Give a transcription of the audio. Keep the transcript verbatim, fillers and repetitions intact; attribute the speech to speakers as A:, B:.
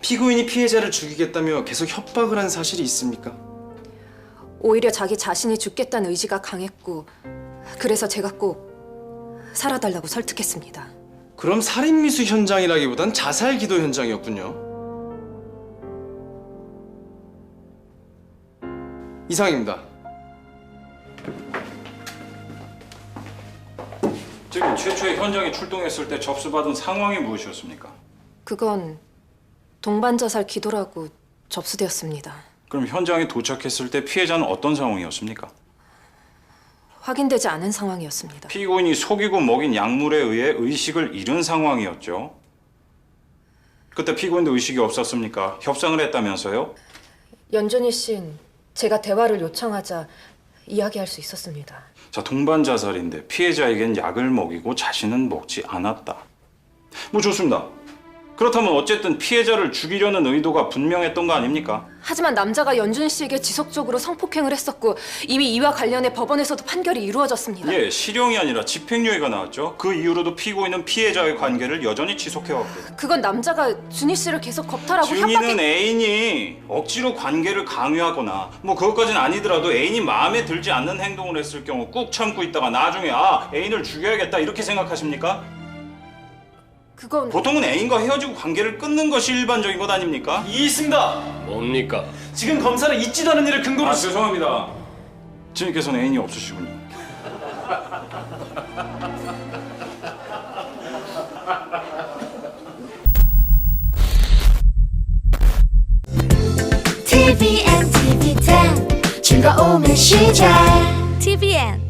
A: 피고인이 피해자를 죽이겠다며 계속 협박을 한 사실이 있습니까?
B: 오히려 자기 자신이 죽겠다는 의지가 강했고 그래서 제가 꼭 살아달라고 설득했습니다.
A: 그럼 살인미수 현장이라기보단 자살 기도 현장이었군요. 이상입니다.
C: 지금 최초의 현장에 출동했을 때 접수받은 상황이 무엇이었습니까?
B: 그건 동반자살 기도라고 접수되었습니다.
C: 그럼 현장에 도착했을 때 피해자는 어떤 상황이었습니까?
B: 확인되지 않은 상황이었습니다.
C: 피고인이 속이고 먹인 약물에 의해 의식을 잃은 상황이었죠. 그때 피고인도 의식이 없었습니까? 협상을 했다면서요?
B: 연준희 씨는 제가 대화를 요청하자 이야기할 수 있었습니다.
C: 자, 동반 자살인데 피해자에겐 약을 먹이고 자신은 먹지 않았다. 뭐 좋습니다. 그렇다면 어쨌든 피해자를 죽이려는 의도가 분명했던 거 아닙니까?
B: 하지만 남자가 연준희 씨에게 지속적으로 성폭행을 했었고 이미 이와 관련해 법원에서도 판결이 이루어졌습니다.
C: 예, 실형이 아니라 집행유예가 나왔죠. 그 이후로도 피고인은 피해자의 관계를 여전히 지속해왔고.
B: 그건 남자가 준희 씨를 계속 겁탈하고
C: 준이는
B: 협박해...
C: 애인이 억지로 관계를 강요하거나 뭐 그것까지는 아니더라도 애인이 마음에 들지 않는 행동을 했을 경우 꾹 참고 있다가 나중에 아, 애인을 죽여야겠다 이렇게 생각하십니까?
B: 그건...
C: 보통은 애인과 헤어지고 관계를 끊는 것이 일반적인 것 아닙니까?
A: 이 있습니다.
D: 뭡니까?
A: 지금 검사는 있지도 않은 일을 근거로...
C: 아, 죄송합니다. 주님께서는 애인이 없으시군요.
E: 티비엔, 티비텐 즐거움의 시작 티비엔